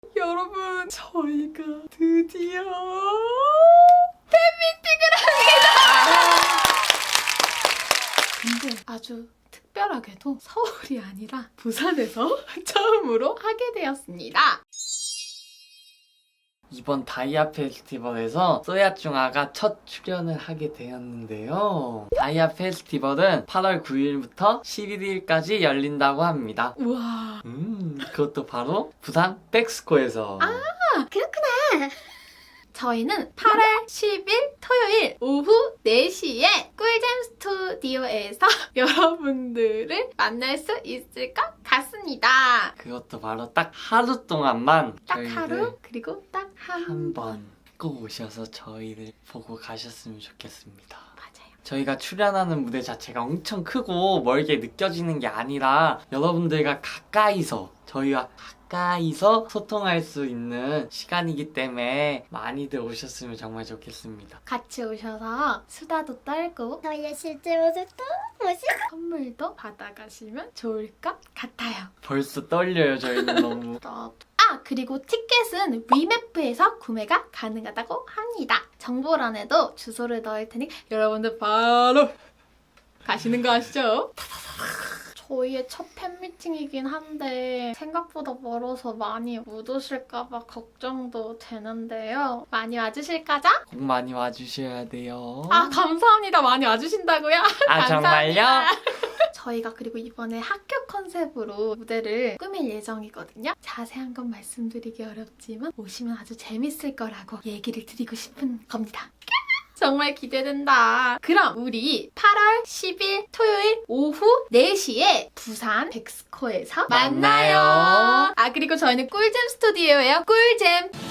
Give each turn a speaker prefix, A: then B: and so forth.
A: 여러분, 저희가 드디어 팬미팅을 합니다. 근데 아주 특별하게도 서울이 아니라 부산에서 처음으로 하게 되었습니다. 이번 다이아 페스티벌에서 쏘야중아가 첫 출연을 하게 되었는데요. 다이아 페스티벌은 8월 9일부터 11일까지 열린다고 합니다. 우와. 그것도 바로 부산 백스코에서.
B: 그렇구나. 저희는 8월 10일 토요일 오후 4시에 꿀잼 스튜디오에서 여러분들을 만날 수 있을 것 같습니다.
A: 그것도 바로 딱 하루 동안만
B: 딱
A: 저희를
B: 하루 그리고 딱
A: 한 번 꼭 오셔서 저희를 보고 가셨으면 좋겠습니다.
B: 맞아요.
A: 저희가 출연하는 무대 자체가 엄청 크고 멀게 느껴지는 게 아니라 여러분들과 가까이서 저희와 가까이서 소통할 수 있는 시간이기 때문에 많이들 오셨으면 정말 좋겠습니다.
B: 같이 오셔서 수다도 떨고
C: 저희의 실제 모습도 보시고
B: 선물도 받아가시면 좋을 것 같아요.
A: 벌써 떨려요, 저희는 너무.
B: 그리고 티켓은 위메프에서 구매가 가능하다고 합니다. 정보란에도 주소를 넣을 테니 여러분들 바로 가시는 거 아시죠? 저희의 첫 팬미팅이긴 한데 생각보다 멀어서 많이 못 오실까봐 걱정도 되는데요. 많이 와주실 거죠?
A: 꼭 많이 와주셔야 돼요.
B: 감사합니다. 많이 와주신다고요?
A: 정말요?
B: 저희가 그리고 이번에 학교 컨셉으로 무대를 꾸밀 예정이거든요. 자세한 건 말씀드리기 어렵지만 오시면 아주 재밌을 거라고 얘기를 드리고 싶은 겁니다. 정말 기대된다. 그럼 우리 8월 10일 토요일 오후 4시에 부산 백스코에서 만나요. 그리고 저희는 꿀잼 스튜디오예요. 꿀잼.